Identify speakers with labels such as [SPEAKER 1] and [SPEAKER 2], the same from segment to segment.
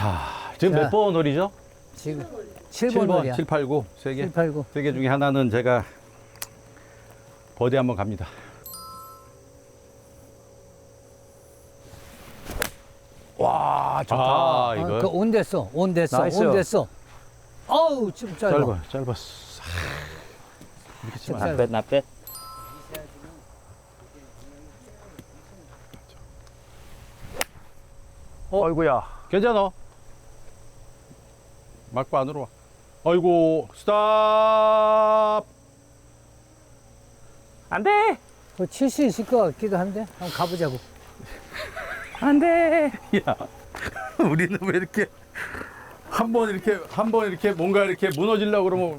[SPEAKER 1] 자, 지금
[SPEAKER 2] 자.
[SPEAKER 1] 몇 번 홀이죠?
[SPEAKER 2] 지금 7번 홀이야.
[SPEAKER 1] 7, 8, 9, 3개.
[SPEAKER 2] 7, 8, 9.
[SPEAKER 1] 3개 중에 하나는 제가 버디 한번 갑니다. 와, 좋다. 아, 이거.
[SPEAKER 2] 온 됐어. 온 됐어.
[SPEAKER 1] 나이스.
[SPEAKER 2] 온 됐어. 어우, 좀 짧아.
[SPEAKER 1] 짧았어. 이렇게 치면
[SPEAKER 2] 짧아.
[SPEAKER 1] 안 돼.
[SPEAKER 3] 나빼.
[SPEAKER 1] 어이구야. 괜찮아. 막고 안으로 와. 아이고, 스탑.
[SPEAKER 3] 안 돼!
[SPEAKER 2] 그거 칠 수 있을 것 같기도 한데. 한번 가보자고.
[SPEAKER 3] 안 돼!
[SPEAKER 1] 야, 우리는 왜 이렇게 한 번 이렇게 뭔가 이렇게 무너지려고 그러면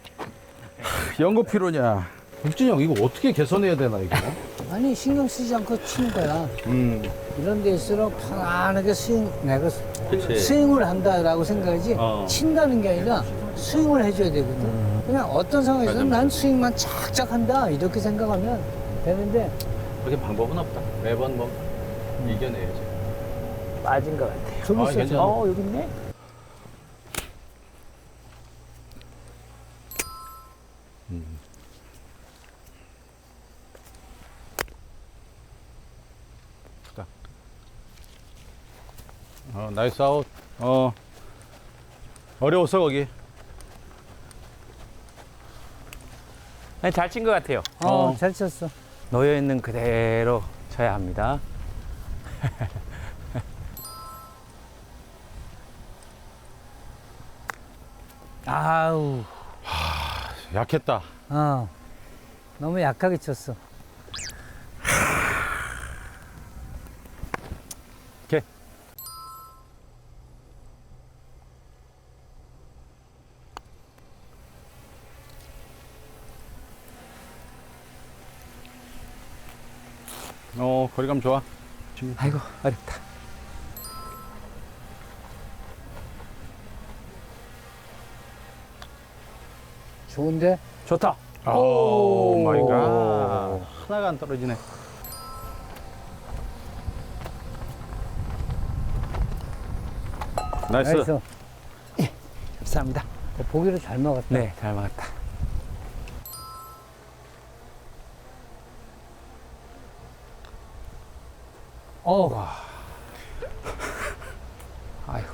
[SPEAKER 1] 연거피로냐. 육진이 형, 이거 어떻게 개선해야 되나, 이거?
[SPEAKER 2] 아니, 신경 쓰지 않고 치는 거야. 이런 데일수록 편안하게 내가
[SPEAKER 1] 그치.
[SPEAKER 2] 스윙을 한다라고 생각하지, 친다는 게 아니라 스윙을 해줘야 되거든. 그냥 어떤 상황에서는 난 스윙만 착착 한다, 이렇게 생각하면 되는데,
[SPEAKER 1] 그렇게 방법은 없다. 매번 뭐 이겨내야지.
[SPEAKER 3] 빠진 것 같아요.
[SPEAKER 2] 좀 있어.
[SPEAKER 1] 괜찮아.
[SPEAKER 3] 여기 있네?
[SPEAKER 1] 나이스 아웃. 어려웠어, 거기.
[SPEAKER 3] 아니, 잘 친 것 같아요.
[SPEAKER 2] 잘 쳤어.
[SPEAKER 3] 놓여있는 그대로 쳐야 합니다.
[SPEAKER 2] 아우,
[SPEAKER 1] 약했다.
[SPEAKER 2] 너무 약하게 쳤어.
[SPEAKER 1] 오케이. 거리감 좋아.
[SPEAKER 3] 아이고, 어렵다.
[SPEAKER 2] 좋은데?
[SPEAKER 3] 좋다.
[SPEAKER 1] 오 마이 갓. 하나가 안 떨어지네. 나이스.
[SPEAKER 2] 나이스.
[SPEAKER 3] 감사합니다.
[SPEAKER 2] 보기로 잘 먹었다.
[SPEAKER 3] 네, 잘 막았다. 아이고.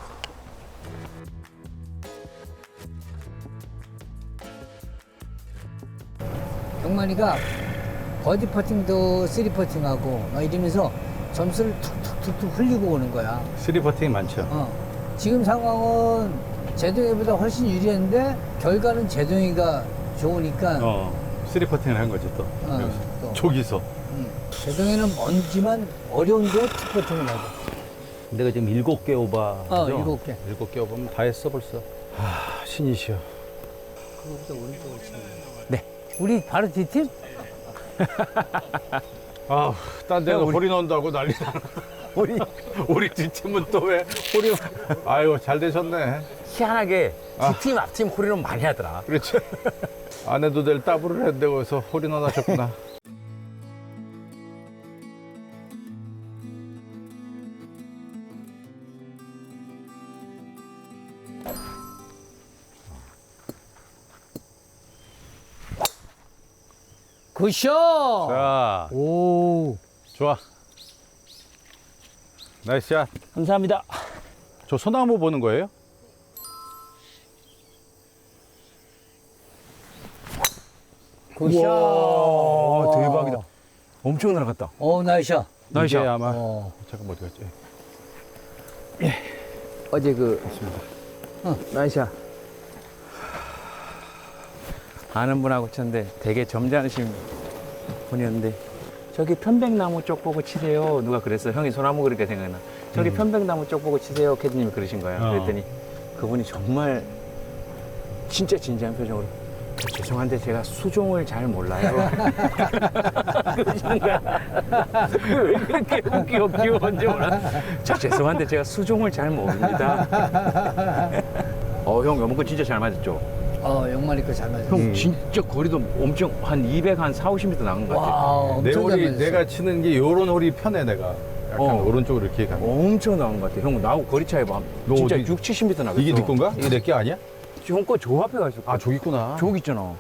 [SPEAKER 2] 경만이가 버디 퍼팅도 쓰리 퍼팅하고 막 이러면서 점수를 툭툭툭툭 흘리고 오는 거야.
[SPEAKER 1] 쓰리 퍼팅이 많죠.
[SPEAKER 2] 지금 상황은 제동이보다 훨씬 유리했는데 결과는 제동이가 좋으니까
[SPEAKER 1] 쓰리 퍼팅을 한 거지 또. 여기서.
[SPEAKER 2] 또.
[SPEAKER 1] 저기서.
[SPEAKER 2] 제동이는 먼지만 어려운데 투 퍼팅을 하고.
[SPEAKER 1] 내가 지금 7개 오버.
[SPEAKER 2] 7개.
[SPEAKER 1] 7개 오버면 다 했어 벌써. 신이시여.
[SPEAKER 2] 그거보다 오른쪽으로 치는 거야.
[SPEAKER 3] 네.
[SPEAKER 2] 우리 바로 뒷팀?
[SPEAKER 1] 딴 데가 홀이 넣는다고 난리나. 우리 뒷팀은 또 왜 홀이. 아유, 잘 되셨네.
[SPEAKER 3] 희한하게 뒷팀, 앞팀 홀이론 많이 하더라.
[SPEAKER 1] 그렇지. 안 해도 될 따블을 했는데 거기서 홀이 넣으셨구나.
[SPEAKER 2] 굿샷!
[SPEAKER 1] 자,
[SPEAKER 2] 오.
[SPEAKER 1] 좋아. 나이스 샷.
[SPEAKER 3] 감사합니다.
[SPEAKER 1] 저 소나무 보는 거예요?
[SPEAKER 2] 굿샷!
[SPEAKER 3] 와, 대박이다. 엄청 날아갔다.
[SPEAKER 2] 나이샷.
[SPEAKER 1] 이게 아마.
[SPEAKER 2] 어.
[SPEAKER 1] 잠깐 어디 갔지?
[SPEAKER 3] 어제 나이샤. 아는 분하고 쳤는데 되게 점잖으신 분이었는데 저기 편백나무 쪽 보고 치세요. 누가 그랬어. 형이 소나무 그렇게 생각나. 저기 편백나무 쪽 보고 치세요. 캐디님이 그러신 거예요. 그랬더니 그분이 정말 진짜 진지한 표정으로 죄송한데 제가 수종을 잘 몰라요. 그러시는 거야. 왜 그렇게 귀여운지 몰라. 저 죄송한데 제가 수종을 잘 모릅니다. 형 요번 거 진짜 잘 맞았죠?
[SPEAKER 2] 영만이 거 잘 맞았어.
[SPEAKER 3] 형 진짜 거리도 엄청 한 200, 한 4, 50m 나간 것 같아요.
[SPEAKER 2] 와,
[SPEAKER 1] 내
[SPEAKER 2] 엄청 잘
[SPEAKER 1] 홀이
[SPEAKER 2] 맞았어.
[SPEAKER 1] 내가 치는 게 요런 홀이 편해 내가. 약간
[SPEAKER 3] 어.
[SPEAKER 1] 오른쪽으로 이렇게 가는.
[SPEAKER 3] 엄청 나은 것 같아. 형 나하고 거리 차이 봐.
[SPEAKER 1] 너
[SPEAKER 3] 진짜
[SPEAKER 1] 어디-
[SPEAKER 3] 6, 70m 나겠어.
[SPEAKER 1] 이게 네 건가? 이게 내 게 아니야?
[SPEAKER 3] 형거 저 앞에 가 있어.
[SPEAKER 1] 아 저기 있구나.
[SPEAKER 3] 저기 있잖아.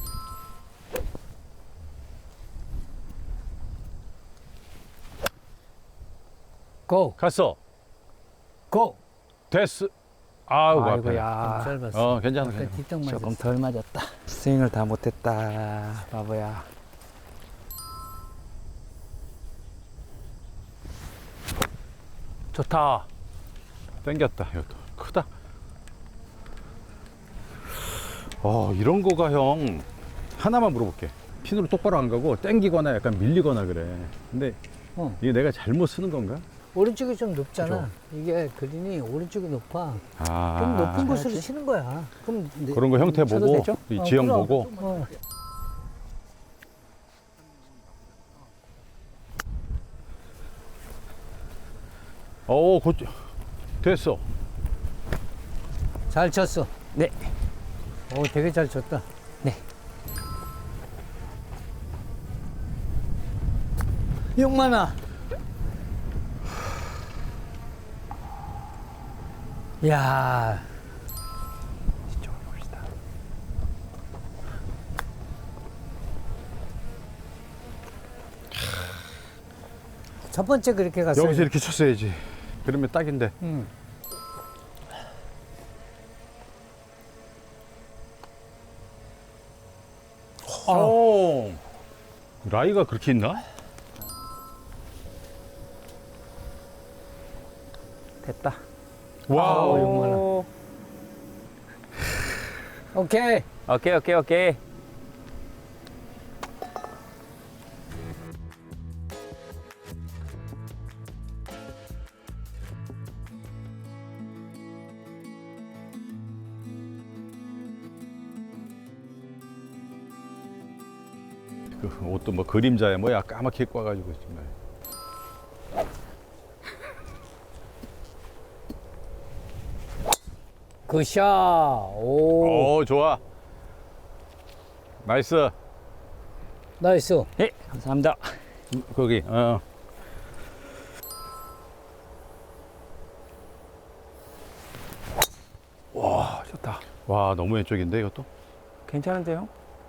[SPEAKER 2] 고!
[SPEAKER 1] 갔어.
[SPEAKER 2] 고!
[SPEAKER 1] 됐어. 아우 아파.
[SPEAKER 3] 아이고야.
[SPEAKER 2] 짧았어.
[SPEAKER 1] 괜찮아.
[SPEAKER 2] 아까 뒷땅 맞았어.
[SPEAKER 3] 조금 덜 맞았다. 스윙을 다 못했다. 바보야. 좋다.
[SPEAKER 1] 땡겼다. 이것도 크다. 이런 거가 형 하나만 물어볼게. 핀으로 똑바로 안 가고 땡기거나 약간 밀리거나 그래. 근데
[SPEAKER 2] 어.
[SPEAKER 1] 이게 내가 잘못 쓰는 건가?
[SPEAKER 2] 오른쪽이 좀 높잖아.
[SPEAKER 1] 그죠.
[SPEAKER 2] 이게 그린이 오른쪽이 높아.
[SPEAKER 1] 아,
[SPEAKER 2] 좀 높은 곳으로
[SPEAKER 3] 해야지.
[SPEAKER 2] 치는 거야. 그럼
[SPEAKER 1] 그런 거 형태
[SPEAKER 2] 쳐도
[SPEAKER 1] 보고
[SPEAKER 2] 되죠?
[SPEAKER 1] 이 지형
[SPEAKER 2] 그럼.
[SPEAKER 1] 보고.
[SPEAKER 2] 어.
[SPEAKER 1] 됐어.
[SPEAKER 2] 잘 쳤어.
[SPEAKER 3] 네.
[SPEAKER 2] 오, 되게 잘 쳤다.
[SPEAKER 3] 네.
[SPEAKER 2] 6만원. 야,
[SPEAKER 3] 이쪽으로 봅시다.
[SPEAKER 2] 첫 번째 그렇게 갔어요.
[SPEAKER 1] 여기서 이렇게 쳤어야지. 그러면 딱인데.
[SPEAKER 2] 응.
[SPEAKER 1] 라이가 그렇게 있나?
[SPEAKER 3] 됐다.
[SPEAKER 1] 와우.
[SPEAKER 2] 6만 원. 오케이.
[SPEAKER 3] 오케이.
[SPEAKER 1] 그 옷도 뭐 그림자에 뭐야 까맣게 입고 와가지고 정말.
[SPEAKER 2] 굿샷. 오,
[SPEAKER 1] 좋아. 나이스.
[SPEAKER 2] 나이스.
[SPEAKER 3] 네, 감사합니다.
[SPEAKER 1] 거기.
[SPEAKER 3] 좋다.
[SPEAKER 1] 와 너무 왼쪽인데 이것도.
[SPEAKER 3] 괜찮은데요?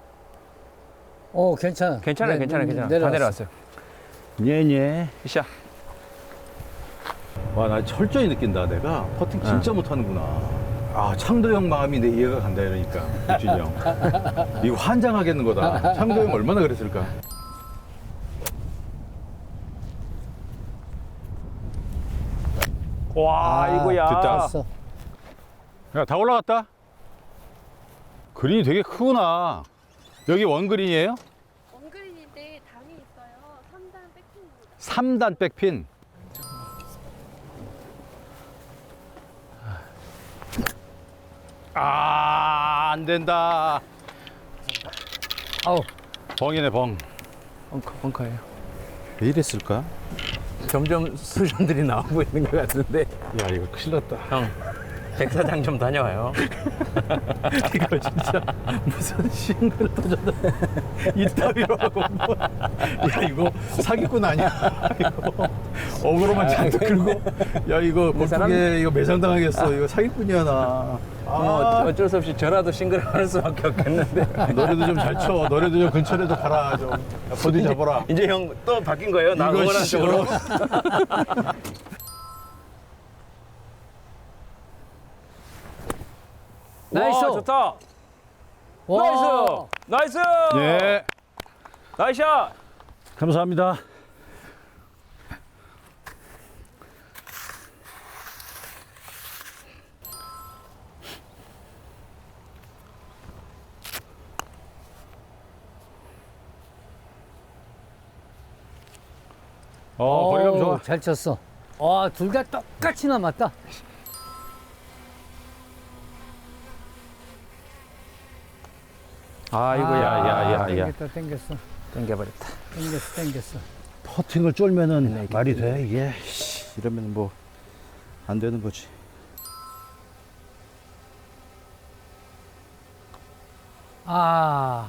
[SPEAKER 2] 오, 괜찮아.
[SPEAKER 3] 괜찮아요.
[SPEAKER 2] 네,
[SPEAKER 3] 다
[SPEAKER 2] 내려왔어.
[SPEAKER 3] 내려왔어요.
[SPEAKER 1] 예예.
[SPEAKER 3] 굿샷.
[SPEAKER 1] 와 나 철저히 느낀다. 내가 퍼팅 진짜 못하는구나. 아 창도 형 마음이 내 이해가 간다 이러니까 유진이 형. 이거 환장하겠는 거다. 창도 형 얼마나 그랬을까.
[SPEAKER 3] 와, 이거야.
[SPEAKER 1] 됐다.
[SPEAKER 2] 됐어.
[SPEAKER 1] 야 다 올라갔다. 그린이 되게 크구나. 여기 원그린이에요?
[SPEAKER 4] 원그린인데 담이 있어요. 3단 백핑입니다.
[SPEAKER 1] 3단 백핀. 안 된다.
[SPEAKER 2] 아우,
[SPEAKER 1] 벙이네 벙.
[SPEAKER 3] 벙커예요.
[SPEAKER 1] 왜 이랬을까?
[SPEAKER 3] 점점 수준들이 나오고 있는 것 같은데.
[SPEAKER 1] 야 이거 큰일 났다.
[SPEAKER 3] 형, 백사장 좀 다녀와요.
[SPEAKER 1] 이거 진짜 무슨 싱글 터졌다. 이따위로 하고 뭐. 야 이거 사기꾼 아니야? 이거 어그로만 잔뜩 끌고. 야 이거
[SPEAKER 3] 사람-
[SPEAKER 1] 골프계 이거 매장당하겠어. 이거 사기꾼이야 나.
[SPEAKER 3] 어쩔 수 없이 저라도 싱글을 할 수밖에 없겠는데.
[SPEAKER 1] 너네도 좀 잘 쳐. 너네도 좀 근처라도 가라 좀. 야, 버디 잡아라.
[SPEAKER 3] 이제 형 또 바뀐 거예요? 나
[SPEAKER 1] 이거
[SPEAKER 3] 응원한
[SPEAKER 1] 씨,
[SPEAKER 3] 쪽으로.
[SPEAKER 2] 나이스.
[SPEAKER 3] 와, 좋다.
[SPEAKER 2] 와.
[SPEAKER 3] 나이스.
[SPEAKER 1] 예.
[SPEAKER 3] 나이스샷.
[SPEAKER 1] 감사합니다. 거리감 좋아.
[SPEAKER 2] 잘 쳤어. 와, 둘 다 똑같이 남았다.
[SPEAKER 3] 아, 이거야.
[SPEAKER 2] 땡겼어.
[SPEAKER 3] 땡겨버렸다.
[SPEAKER 2] 땡겼어.
[SPEAKER 1] 퍼팅을 쫄면은 말이 돼 이게. 이러면 뭐 안 되는 거지.
[SPEAKER 2] 아,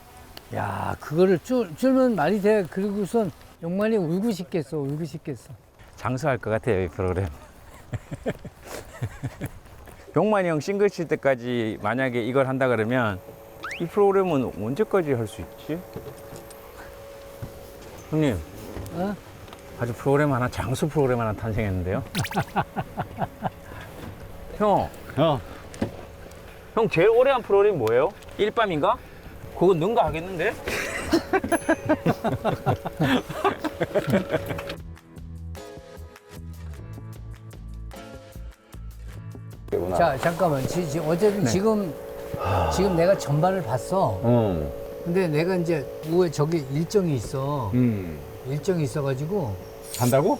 [SPEAKER 2] 야, 그거를 쫄면 말이 돼. 그리고선 용만이 울고 싶겠어.
[SPEAKER 3] 장수할 것 같아요, 이 프로그램. 용만이 형 싱글 칠 때까지 만약에 이걸 한다 그러면 이 프로그램은 언제까지 할 수 있지? 형님,
[SPEAKER 2] 어?
[SPEAKER 3] 아주 프로그램 하나, 장수 프로그램 하나 탄생했는데요. 형, 형 제일 오래 한 프로그램이 뭐예요? 일밤인가? 그건 능가 하겠는데?
[SPEAKER 2] 자, 잠깐만. 어쨌든
[SPEAKER 3] 네.
[SPEAKER 2] 지금 내가 전반을 봤어. 근데 내가 이제 오후에 저기 일정이 있어. 일정이 있어가지고.
[SPEAKER 1] 간다고?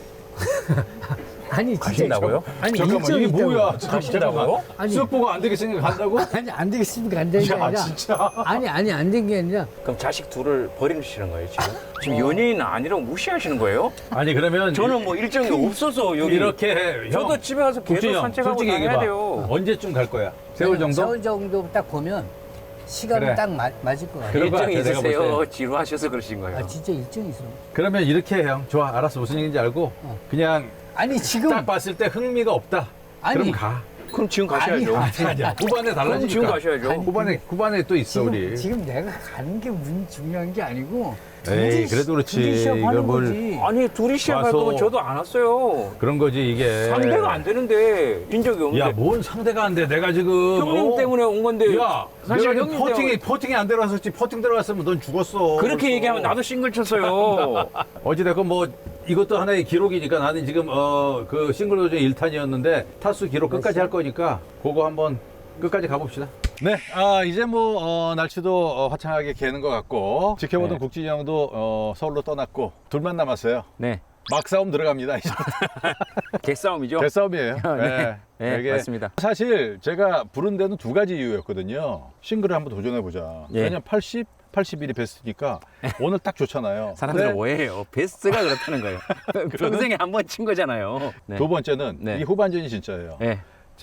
[SPEAKER 2] 아니, 진짜.
[SPEAKER 3] 가신다고요?
[SPEAKER 2] 아니,
[SPEAKER 1] 잠깐만
[SPEAKER 2] 일정이
[SPEAKER 1] 이게
[SPEAKER 2] 있다고.
[SPEAKER 1] 뭐야?
[SPEAKER 3] 가신다고요?
[SPEAKER 2] 아니,
[SPEAKER 1] 수업 보고 안 되겠으니까 간다고?
[SPEAKER 2] 아니, 안 되겠으니까 안 되는 게
[SPEAKER 1] 야
[SPEAKER 2] 아니라.
[SPEAKER 1] 진짜.
[SPEAKER 2] 아니, 안 된 게 아니라.
[SPEAKER 3] 그럼 자식 둘을 버리시는 거예요, 지금? 지금 연예인 아니라고 무시하시는 거예요?
[SPEAKER 1] 아니 그러면
[SPEAKER 3] 저는 뭐 일정이 없어서 여기.
[SPEAKER 1] 이렇게
[SPEAKER 3] 저도 집에 가서 계속
[SPEAKER 1] 국진이 형,
[SPEAKER 3] 산책하고
[SPEAKER 1] 솔직히
[SPEAKER 3] 다녀야
[SPEAKER 1] 얘기해봐.
[SPEAKER 3] 돼요.
[SPEAKER 1] 언제쯤 갈 거야? 세월 정도?
[SPEAKER 2] 세월 정도 딱 보면 시간은
[SPEAKER 1] 그래.
[SPEAKER 2] 딱 맞을 것 같아.
[SPEAKER 1] 그럴 것
[SPEAKER 3] 일정이
[SPEAKER 1] 같아, 내가 볼
[SPEAKER 3] 있으세요?
[SPEAKER 1] 때.
[SPEAKER 3] 지루하셔서 그러신 거예요.
[SPEAKER 2] 아, 진짜 일정이 있어.
[SPEAKER 1] 그러면 이렇게 해, 형. 좋아, 알았어. 무슨 얘기인지 알고 그냥
[SPEAKER 2] 아니, 지금.
[SPEAKER 1] 딱 봤을 때 흥미가 없다.
[SPEAKER 2] 아니.
[SPEAKER 1] 그럼 가.
[SPEAKER 3] 그럼 지금 가셔야죠.
[SPEAKER 1] 아니야. 후반에
[SPEAKER 3] 그럼
[SPEAKER 1] 달라지니까.
[SPEAKER 3] 지금 가셔야죠.
[SPEAKER 1] 후반에 또 있어 우리.
[SPEAKER 2] 지금 내가 가는 게 중요한 게 아니고.
[SPEAKER 1] 에이,
[SPEAKER 2] 둘이
[SPEAKER 1] 그래도 그렇지.
[SPEAKER 2] 둘이 시합하는
[SPEAKER 1] 이걸 뭘-
[SPEAKER 2] 거지.
[SPEAKER 3] 아니 둘이 시합할
[SPEAKER 1] 와서-
[SPEAKER 3] 거면 저도 안 왔어요.
[SPEAKER 1] 그런 거지 이게.
[SPEAKER 3] 상대가 안 되는데 빈 적이 없는데.
[SPEAKER 1] 야, 뭔 상대가 안 돼? 내가 지금
[SPEAKER 3] 형님 때문에 온 건데.
[SPEAKER 1] 야,
[SPEAKER 3] 사실
[SPEAKER 1] 내가
[SPEAKER 3] 형님
[SPEAKER 1] 지금 퍼팅이 안 들어갔었지. 퍼팅 들어갔으면 넌 죽었어.
[SPEAKER 3] 그렇게
[SPEAKER 1] 벌써.
[SPEAKER 3] 얘기하면 나도 싱글 쳤어요.
[SPEAKER 1] 어찌됐건 뭐 이것도 하나의 기록이니까 나는 지금 그 싱글 도전 1탄이었는데 타수 기록 끝까지 할 거니까 그거 한번 끝까지 가봅시다. 네, 이제 뭐 날씨도 화창하게 개는 것 같고 지켜보던
[SPEAKER 3] 네.
[SPEAKER 1] 국진이 형도 서울로 떠났고 둘만 남았어요.
[SPEAKER 3] 네.
[SPEAKER 1] 막싸움 들어갑니다. 이제
[SPEAKER 3] 개싸움이죠.
[SPEAKER 1] 개싸움이에요.
[SPEAKER 3] 네. 네,
[SPEAKER 1] 이게
[SPEAKER 3] 맞습니다.
[SPEAKER 1] 사실 제가 부른 데는 두 가지 이유였거든요. 싱글을 한번 도전해보자.
[SPEAKER 3] 예.
[SPEAKER 1] 왜냐면 80, 81이 베스트니까 오늘 딱 좋잖아요.
[SPEAKER 3] 사람들은
[SPEAKER 1] 근데
[SPEAKER 3] 오해해요. 베스트가 그렇다는 거예요. 평생에 한 번 친 거잖아요. 네.
[SPEAKER 1] 두 번째는
[SPEAKER 3] 네.
[SPEAKER 1] 이 후반전이 진짜예요.
[SPEAKER 3] 네.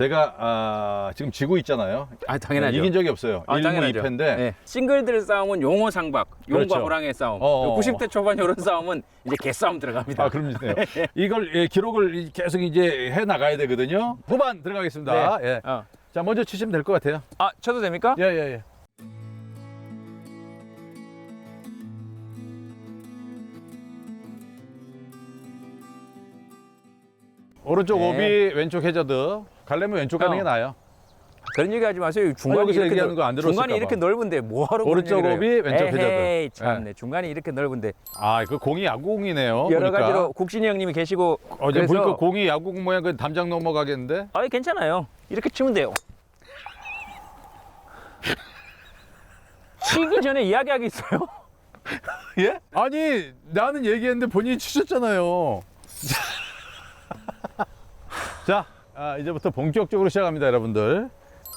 [SPEAKER 1] 제가 지금 지고 있잖아요.
[SPEAKER 3] 아, 당연하죠.
[SPEAKER 1] 이긴 적이 없어요.
[SPEAKER 3] 아,
[SPEAKER 1] 1무
[SPEAKER 3] 당연하죠.
[SPEAKER 1] 2패인데
[SPEAKER 3] 네. 싱글들 싸움은 용호 상박, 용과
[SPEAKER 1] 그렇죠.
[SPEAKER 3] 호랑의 싸움.
[SPEAKER 1] 어어.
[SPEAKER 3] 90대 초반 이런 싸움은 이제 개싸움 들어갑니다.
[SPEAKER 1] 그럼 이걸 기록을 계속 이제 해 나가야 되거든요. 후반 들어가겠습니다.
[SPEAKER 3] 네.
[SPEAKER 1] 예. 자, 먼저 치시면 될 것 같아요.
[SPEAKER 3] 아, 쳐도 됩니까?
[SPEAKER 1] 예. 오른쪽
[SPEAKER 3] 네.
[SPEAKER 1] 오비, 왼쪽 해저드. 갈래면 왼쪽 가는 게
[SPEAKER 3] 형.
[SPEAKER 1] 나아요.
[SPEAKER 3] 그런 얘기 하지 마세요. 중간이
[SPEAKER 1] 여기서
[SPEAKER 3] 이렇게
[SPEAKER 1] 얘기하는 거안 들었을까
[SPEAKER 3] 중간이
[SPEAKER 1] 봐.
[SPEAKER 3] 이렇게 넓은데 뭐하러
[SPEAKER 1] 오른쪽
[SPEAKER 3] 그런 얘기를
[SPEAKER 1] 오비,
[SPEAKER 3] 해요?
[SPEAKER 1] 왼쪽 해저드.
[SPEAKER 3] 에헤이, 참네. 중간이 이렇게 넓은데
[SPEAKER 1] 그 공이 야구공이네요.
[SPEAKER 3] 여러
[SPEAKER 1] 보니까.
[SPEAKER 3] 가지로 국진이 형님이 계시고
[SPEAKER 1] 어제
[SPEAKER 3] 그래서
[SPEAKER 1] 보니까 공이 야구공 모양 그 담장 넘어가겠는데?
[SPEAKER 3] 아, 괜찮아요. 이렇게 치면 돼요. 치기 전에 이야기하기 있어요.
[SPEAKER 1] 예? 아니, 나는 얘기했는데 본인이 치셨잖아요. 자, 이제부터 본격적으로 시작합니다, 여러분들.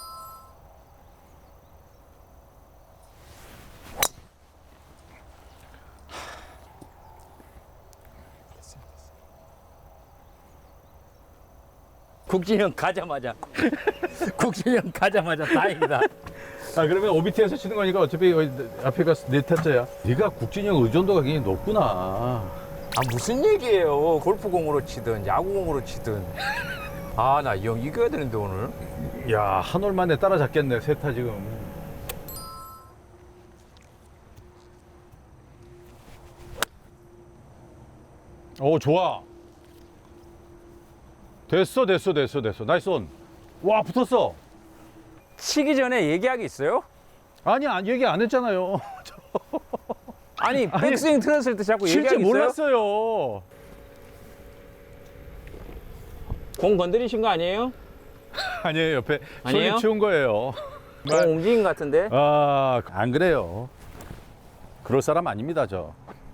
[SPEAKER 3] 국진이 형 가자마자 국진이 형 가자마자 다행이다.
[SPEAKER 1] 그러면 OBT에서 치는 거니까 어차피 앞에가 네 타짜야. 네가 국진이 형 의존도가 굉장히 높구나.
[SPEAKER 3] 아, 무슨 얘기예요. 골프공으로 치든 야구공으로 치든. 아, 나 이 형 이겨야 되는데 오늘.
[SPEAKER 1] 야, 한 올 만에 따라잡겠네, 세타 지금. 오, 좋아. 됐어. 나이스 온. 와, 붙었어.
[SPEAKER 3] 치기 전에 얘기하기 있어요?
[SPEAKER 1] 아니, 얘기 안 했잖아요.
[SPEAKER 3] 아니, 백스윙 틀었을 때 자꾸
[SPEAKER 1] 칠 줄
[SPEAKER 3] 얘기하기 있어요?
[SPEAKER 1] 몰랐어요.
[SPEAKER 3] 공 건드리신 거 아니에요?
[SPEAKER 1] 아니에요, 옆에
[SPEAKER 3] 아니에요?
[SPEAKER 1] 손이 치운 거예요.
[SPEAKER 3] 공 옮긴 것 같은데.
[SPEAKER 1] 안 그래요. 그럴 사람 아닙니다, 저.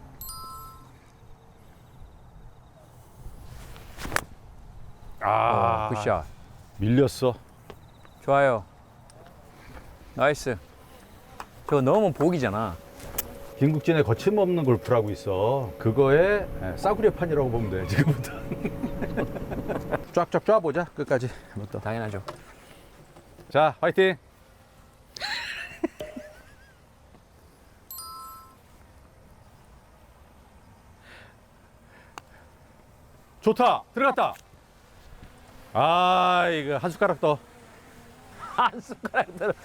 [SPEAKER 3] 굿샷.
[SPEAKER 1] 밀렸어.
[SPEAKER 3] 좋아요. 나이스. 저거 넣으면 복이잖아.
[SPEAKER 1] 김국진의 거침없는 골프라고 있어. 그거의 싸구려 판이라고 보면 돼, 지금부터. 쫙쫙 쫙보자, 끝까지. 이것도.
[SPEAKER 3] 당연하죠.
[SPEAKER 1] 자, 화이팅! 좋다. 들어갔다. 아, 이거 한 숟가락 더.
[SPEAKER 3] 한 숟가락 들어.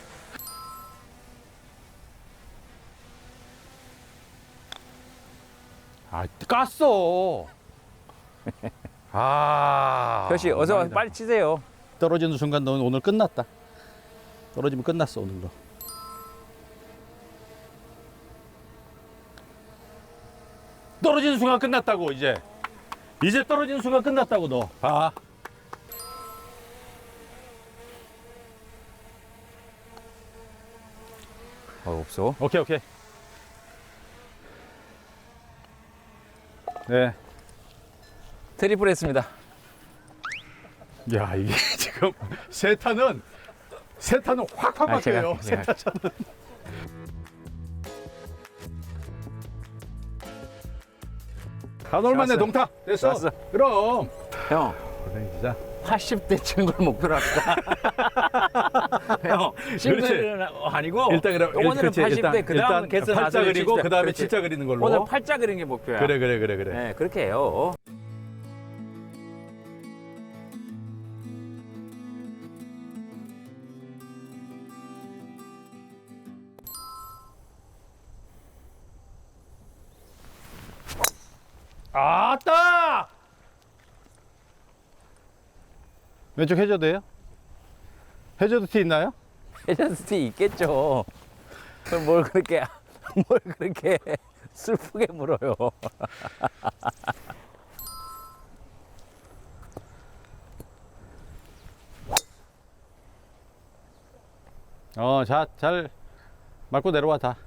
[SPEAKER 1] 아, 깠어. 아.
[SPEAKER 3] 표시 어서 와서
[SPEAKER 1] 아니다.
[SPEAKER 3] 빨리 치세요.
[SPEAKER 1] 떨어지는 순간 넌 오늘 끝났다. 떨어지면 끝났어, 오늘도. 떨어지는 순간 끝났다고, 이제. 이제 떨어지는 순간 끝났다고, 너. 봐.
[SPEAKER 3] 없어.
[SPEAKER 1] 오케이, 오케이. 네.
[SPEAKER 3] 트리플 했습니다.
[SPEAKER 1] 야, 이게 지금 세타는 확확
[SPEAKER 3] 아, 제가-
[SPEAKER 1] 바뀌어요.
[SPEAKER 3] 제가-
[SPEAKER 1] 세타차는. 한 올만에
[SPEAKER 3] 좋았어요.
[SPEAKER 1] 동타. 됐어.
[SPEAKER 3] 좋았어.
[SPEAKER 1] 그럼.
[SPEAKER 3] 형,
[SPEAKER 1] 그래, 진짜.
[SPEAKER 3] 80대 치는 걸 목표로 합시다. 형, 싱글은 아니고
[SPEAKER 1] 일단 그럼
[SPEAKER 3] 오늘은
[SPEAKER 1] 그렇지,
[SPEAKER 3] 80대 그 다음 개수
[SPEAKER 1] 팔자 그리고 그 다음에 칠자 그리는 걸로.
[SPEAKER 3] 오늘 팔자 그리는 게 목표야.
[SPEAKER 1] 그래.
[SPEAKER 3] 네, 그렇게 해요.
[SPEAKER 1] 아따! 왼쪽 해저드예요? 해저드 티 있나요?
[SPEAKER 3] 해저스티 있겠죠. 그럼 뭘 그렇게 슬프게 물어요.
[SPEAKER 1] 자, 잘 맞고 내려와 다.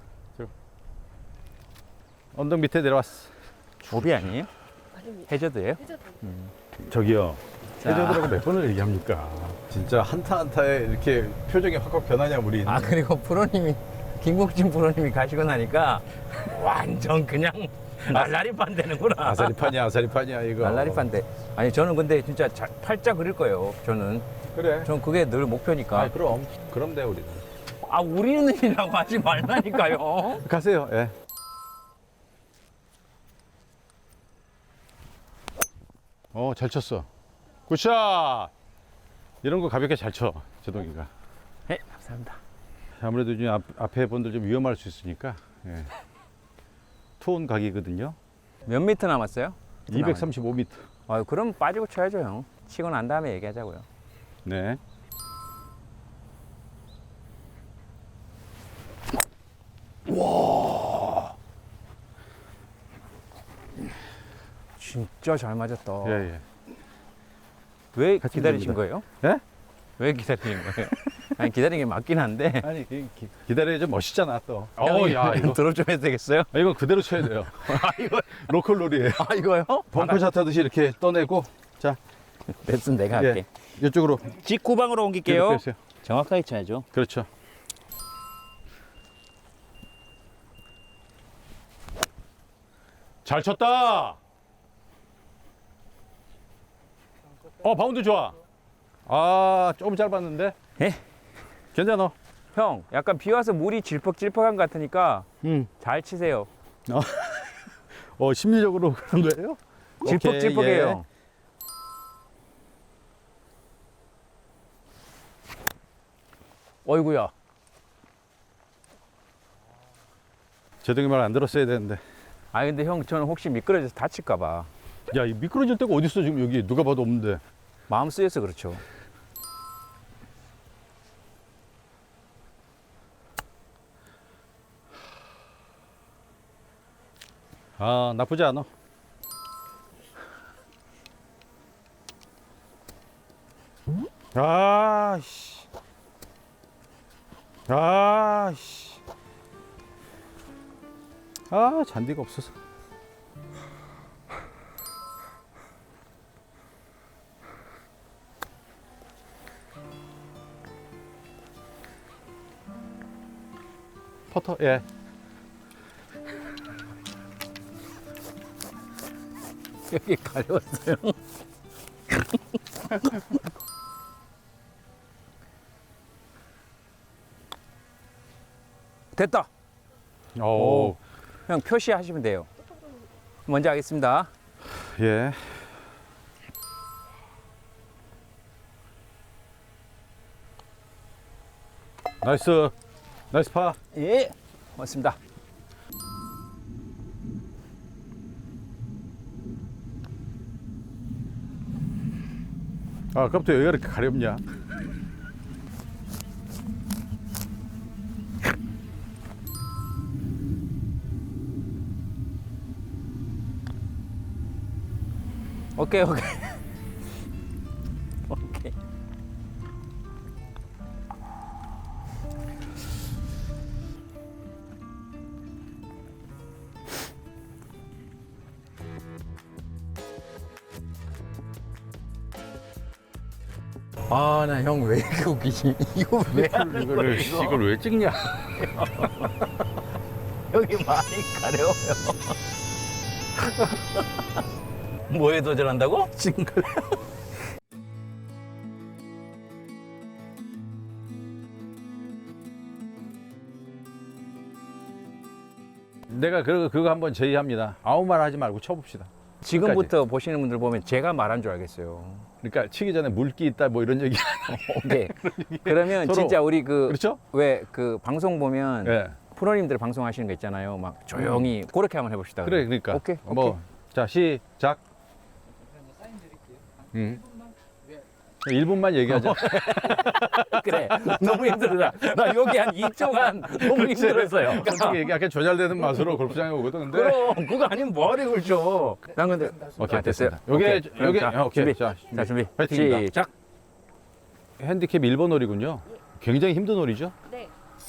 [SPEAKER 1] 언덕 밑에 내려왔어.
[SPEAKER 3] 오비 아니에요?
[SPEAKER 4] 아닙니다.
[SPEAKER 3] 해저드예요?
[SPEAKER 4] 해저드.
[SPEAKER 1] 저기요.
[SPEAKER 3] 자.
[SPEAKER 1] 해저드라고 몇 번을 얘기합니까? 진짜 한타 한타에 이렇게 표정이 확확 변하냐 우리.
[SPEAKER 3] 아 그리고 프로님이 김국진 프로님이 가시고 나니까 완전 그냥 날라리판 되는구나.
[SPEAKER 1] 아사리판이야 이거.
[SPEAKER 3] 날라리판 돼. 아니 저는 근데 진짜 팔자 그릴 거예요. 저는
[SPEAKER 1] 그래.
[SPEAKER 3] 그게 늘 목표니까.
[SPEAKER 1] 그럼 돼 우리는.
[SPEAKER 3] 아 우리는이라고 하지 말라니까요.
[SPEAKER 1] 가세요. 예. 잘 쳤어. 굿샷. 이런 거 가볍게 잘 쳐, 제동이가.
[SPEAKER 3] 네, 감사합니다.
[SPEAKER 1] 아무래도 지금 앞에 분들 좀 위험할 수 있으니까. 예. 투혼 각이거든요.
[SPEAKER 3] 몇 미터 남았어요?
[SPEAKER 1] 235m.
[SPEAKER 3] 아 그럼 빠지고 쳐야죠 형. 치고 난 다음에 얘기하자고요.
[SPEAKER 1] 네.
[SPEAKER 3] 진짜 잘 맞았다.
[SPEAKER 1] 예, 예.
[SPEAKER 3] 왜
[SPEAKER 1] 같이
[SPEAKER 3] 기다리신
[SPEAKER 1] 됩니다.
[SPEAKER 3] 거예요?
[SPEAKER 1] 예?
[SPEAKER 3] 왜 기다리신 거예요? 아니 기다리는 게 맞긴 한데.
[SPEAKER 1] 아니, 기다려야지 멋있잖아, 또.
[SPEAKER 3] 형이
[SPEAKER 1] 야, 이거.
[SPEAKER 3] 드롭 좀 해도 되겠어요?
[SPEAKER 1] 이거 그대로 쳐야 돼요. 로컬 룰이에요.
[SPEAKER 3] 아 이거요?
[SPEAKER 1] 벙커샷 하듯이 이렇게 떠내고. 자,
[SPEAKER 3] 레슨 내가 할게.
[SPEAKER 1] 이쪽으로.
[SPEAKER 3] 직구방으로 옮길게요.
[SPEAKER 1] 이렇게 해주세요.
[SPEAKER 3] 정확하게 쳐야죠.
[SPEAKER 1] 그렇죠. 잘 쳤다. 바운드 좋아. 조금 짧았는데.
[SPEAKER 3] 예?
[SPEAKER 1] 괜찮아.
[SPEAKER 3] 형, 약간 비 와서 물이 질퍽질퍽한 것 같으니까 잘 치세요.
[SPEAKER 1] 심리적으로 그런 거예요?
[SPEAKER 3] 질퍽질퍽해요.
[SPEAKER 1] 오케이, 예.
[SPEAKER 3] 어이구야.
[SPEAKER 1] 제동이 말 안 들었어야 되는데.
[SPEAKER 3] 아 근데 형 저는 혹시 미끄러져서 다칠까 봐
[SPEAKER 1] 야, 이 미끄러질 데가 어딨어, 지금 여기. 누가 봐도 없는데.
[SPEAKER 3] 마음 쓰여서 그렇죠.
[SPEAKER 1] 나쁘지 않아. 아씨. 아씨. 잔디가 없어서. 퍼터, 예.
[SPEAKER 3] 여기 가려웠어요. 됐다.
[SPEAKER 1] 오.
[SPEAKER 3] 형 표시하시면 돼요. 먼저 하겠습니다.
[SPEAKER 1] 예. 나이스. 나이스 파.
[SPEAKER 3] 예, 고맙습니다.
[SPEAKER 1] 아, 아까부터 여기가 이렇게 가렵냐?
[SPEAKER 3] 오케이, 오케이. 오케이. 아, 나 형 왜 이렇게 웃기지? 이거 왜 하는 거야, 이거?
[SPEAKER 1] 이걸 왜 찍냐?
[SPEAKER 3] 여기 많이 가려워요. 뭐에 도전한다고? 싱글.
[SPEAKER 1] 내가 그거 한번 제의합니다. 아무 말 하지 말고 쳐봅시다.
[SPEAKER 3] 지금부터 보시는 분들 보면 제가 말한 줄 알겠어요.
[SPEAKER 1] 그러니까 치기 전에 물기 있다 뭐 이런 얘기.
[SPEAKER 3] 오케이. 그러면
[SPEAKER 1] 서로.
[SPEAKER 3] 진짜 우리
[SPEAKER 1] 그렇죠?
[SPEAKER 3] 왜 그 방송 보면
[SPEAKER 1] 예.
[SPEAKER 3] 프로님들 방송하시는 거 있잖아요. 막 조용히 그렇게 한번 해봅시다.
[SPEAKER 1] 그래, 그러니까.
[SPEAKER 3] 오케이.
[SPEAKER 1] 뭐, 자, 시작. 1분만 얘기하자.
[SPEAKER 3] 그래. 너무 힘들다. 나 여기 한 2초간 너무 힘들었어요.
[SPEAKER 1] 솔직히 얘기하기 조잘되는 맛으로 골프장에 오거든. 근데.
[SPEAKER 3] 그럼 그거 아니면 뭐하러 걸죠. 난 근데
[SPEAKER 1] 오케이,
[SPEAKER 3] 됐어요.
[SPEAKER 1] 됐습니다. 요게,
[SPEAKER 3] 자,
[SPEAKER 1] 오케이.
[SPEAKER 3] 준비.
[SPEAKER 1] 자,
[SPEAKER 3] 자, 준비.
[SPEAKER 1] 파이팅입니다.
[SPEAKER 3] 시작.
[SPEAKER 1] 핸디캡 1번 홀이군요. 굉장히 힘든 홀이죠.
[SPEAKER 4] 네.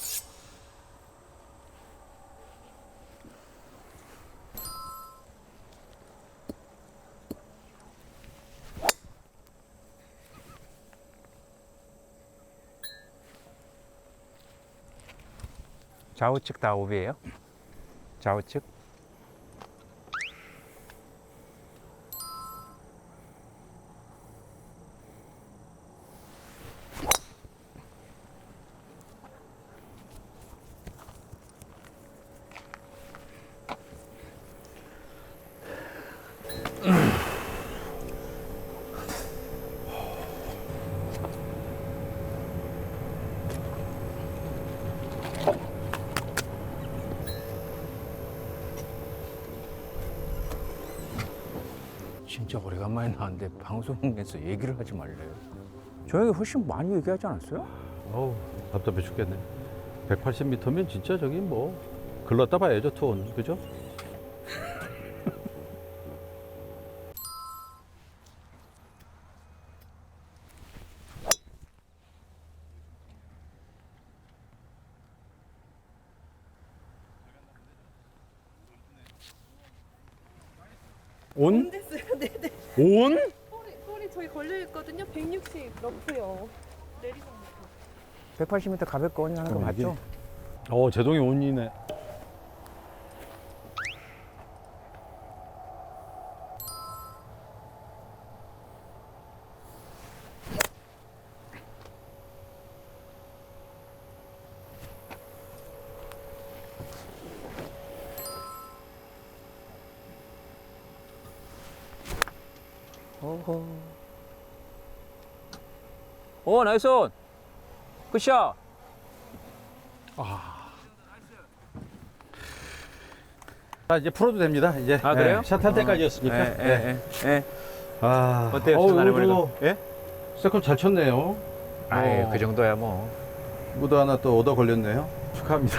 [SPEAKER 3] 좌우측 다 오비예요? 좌우측? 진짜 오래간만에 나왔는데 방송에서 얘기를 하지 말래요. 저에게 훨씬 많이 얘기하지 않았어요?
[SPEAKER 1] 어우, 답답해 죽겠네. 180m면 진짜 저기 뭐, 글렀다 봐야죠, 투혼. 그죠? 온?
[SPEAKER 4] 됐어요. 네네.
[SPEAKER 1] 온?
[SPEAKER 4] 볼이 저기 걸려 있거든요. 160 러프요. 내리막부터.
[SPEAKER 3] 180m 가볍게 온하는 거 맞죠?
[SPEAKER 1] 제동이 온이네.
[SPEAKER 3] 어허. 오, 나이스 온. 굿샷.
[SPEAKER 1] 자, 이제 풀어도 됩니다. 이제.
[SPEAKER 3] 아, 그래요?
[SPEAKER 1] 샷할 때까지였으니까.
[SPEAKER 3] 예.
[SPEAKER 1] 아,
[SPEAKER 3] 어때요,
[SPEAKER 1] 어우,
[SPEAKER 3] 전날에
[SPEAKER 1] 이거
[SPEAKER 3] 보니까? 예?
[SPEAKER 1] 세컨 잘 쳤네요.
[SPEAKER 3] 아유, 그 정도야 뭐.
[SPEAKER 1] 무도 하나 또 얻어 걸렸네요. 축하합니다.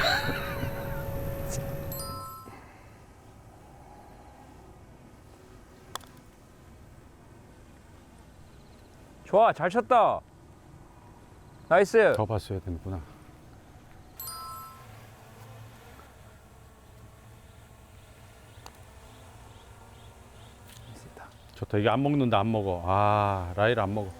[SPEAKER 3] 좋아, 잘 쳤다. 나이스.
[SPEAKER 1] 더 봤어야 되는구나. 좋다. 이게 안 먹는다, 안 먹어. 아, 라일 안 먹어.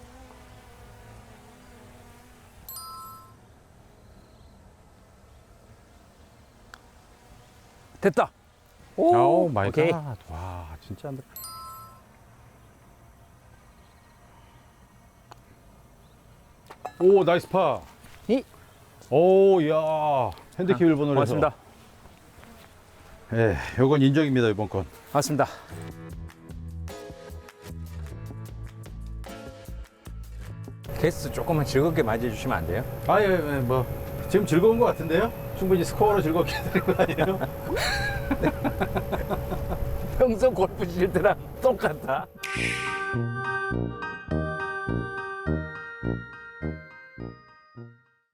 [SPEAKER 3] 됐다.
[SPEAKER 1] 오 마이
[SPEAKER 3] 오케이.
[SPEAKER 1] 갓. 와, 진짜 안 돼. 오, 나이스 파.
[SPEAKER 3] 이.
[SPEAKER 1] 오, 야. 핸디캡 1번을 해서.
[SPEAKER 3] 고맙습니다.
[SPEAKER 1] 예, 요건 인정입니다, 이번 건.
[SPEAKER 3] 맞습니다. 개수 조금만 즐겁게 맞이해주시면 안 돼요?
[SPEAKER 1] 아, 예, 뭐. 지금 즐거운 것 같은데요? 충분히 스코어로 즐겁게 되는 거 아니에요?
[SPEAKER 3] 평소 골프 칠 때랑 똑같아.